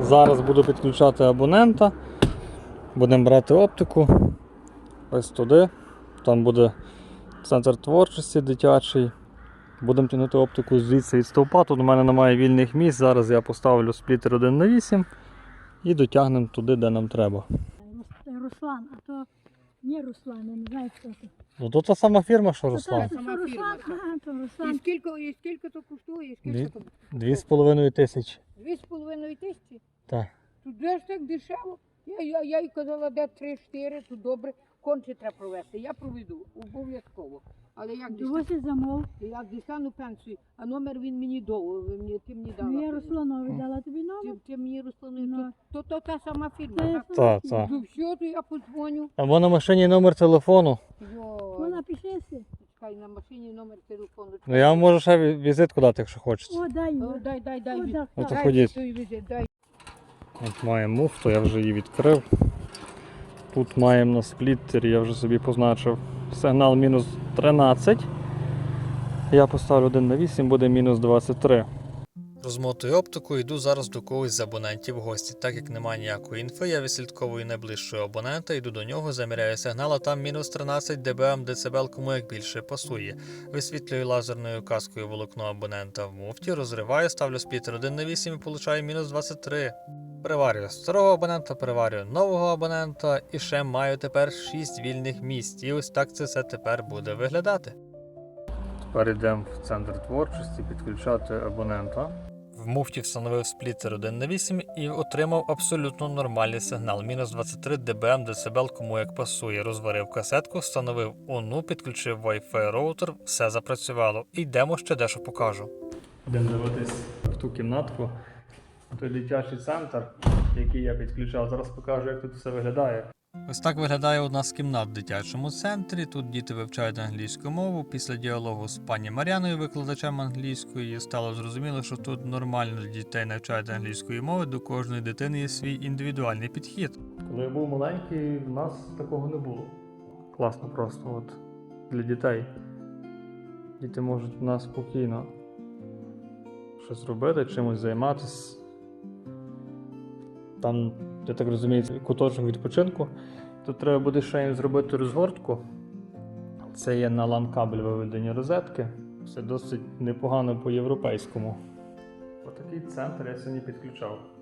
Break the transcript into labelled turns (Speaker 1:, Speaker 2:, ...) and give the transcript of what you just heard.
Speaker 1: Зараз буду підключати абонента. Будемо брати оптику. Ось туди. Там буде центр творчості дитячий. Будемо тягнути оптику звідси від стовпа. Тут у мене немає вільних місць. Зараз я поставлю сплітер 1х8 і дотягнемо туди, де нам треба.
Speaker 2: Руслан, а то не Руслан, я не знаю, хто це.
Speaker 1: Ну то та сама фірма, що Руслан.
Speaker 2: Це Руслан, ага, то Руслан.
Speaker 3: І скільки то коштує? Скільки то?
Speaker 1: 2500.
Speaker 3: 2,5 тисячі?
Speaker 1: Так.
Speaker 3: Тут де ж так дешево? Я їй казала, де 3-4, тут добре. Конче треба провести. Я проведу, обов'язково. Але як
Speaker 2: Дивися замов.
Speaker 3: дістану пенсію, а номер він мені довго, ти мені дала.
Speaker 2: Ну я Русланові дала тобі номер.
Speaker 3: Ти мені Русланові,
Speaker 2: Ну.
Speaker 3: то та сама фірма,
Speaker 2: Це
Speaker 3: так?
Speaker 1: Так, так.
Speaker 3: Ну все, то я подзвоню.
Speaker 1: Або на машині номер телефону.
Speaker 3: Йой,
Speaker 2: Вона пишеться.
Speaker 3: чекай, на машині номер телефону.
Speaker 1: Ну я вам можу ще візитку дати, якщо хочете.
Speaker 2: О, дай її.
Speaker 3: Дай.
Speaker 2: О, так,
Speaker 1: Ну, то
Speaker 2: так.
Speaker 1: ходіть.
Speaker 3: той візит, дай.
Speaker 1: От маємо муфту, я вже її відкрив. Тут маємо на спліттері, я вже собі позначив сигнал мінус 13. Я поставлю 1х8, буде мінус 23. Розмотую оптику, йду зараз до когось з абонентів в гості. Так як немає ніякої інфи, я відслідковую найближчого абонента, йду до нього, заміряю сигнал, а там мінус 13 дБм децибел, кому як більше пасує. Висвітлюю лазерною каскою волокно абонента в муфті, розриваю, ставлю сплітер 1х8 і получаю мінус 23. Переварюю старого абонента, переварюю нового абонента і ще маю тепер 6 вільних місць. І ось так це все тепер буде виглядати. Тепер йдемо в центр творчості підключати абонента. В муфті встановив сплітер 1х8 і отримав абсолютно нормальний сигнал. Мінус 23 дБм децибел, кому як пасує. Розварив касетку, встановив ОНУ, підключив Wi-Fi роутер, все запрацювало. І йдемо ще дещо покажу. Йдемо дивитись в ту кімнатку. Той дитячий центр, який я підключав. Зараз покажу, як тут все виглядає. Ось так виглядає одна з кімнат в дитячому центрі. Тут діти вивчають англійську мову. Після діалогу з пані Мар'яною, викладачем англійської, стало зрозуміло, що тут нормально для дітей навчають англійської мови, до кожної дитини є свій індивідуальний підхід. Коли я був маленький, в нас такого не було. Класно просто от для дітей. Діти можуть в нас спокійно щось робити, чимось займатися. Там, я так розумію, куточок відпочинку. Тут треба буде ще їм зробити розгортку. Це є на LAN-кабель виведені розетки. Все досить непогано по-європейському. Отакий центр я сьогодні підключав.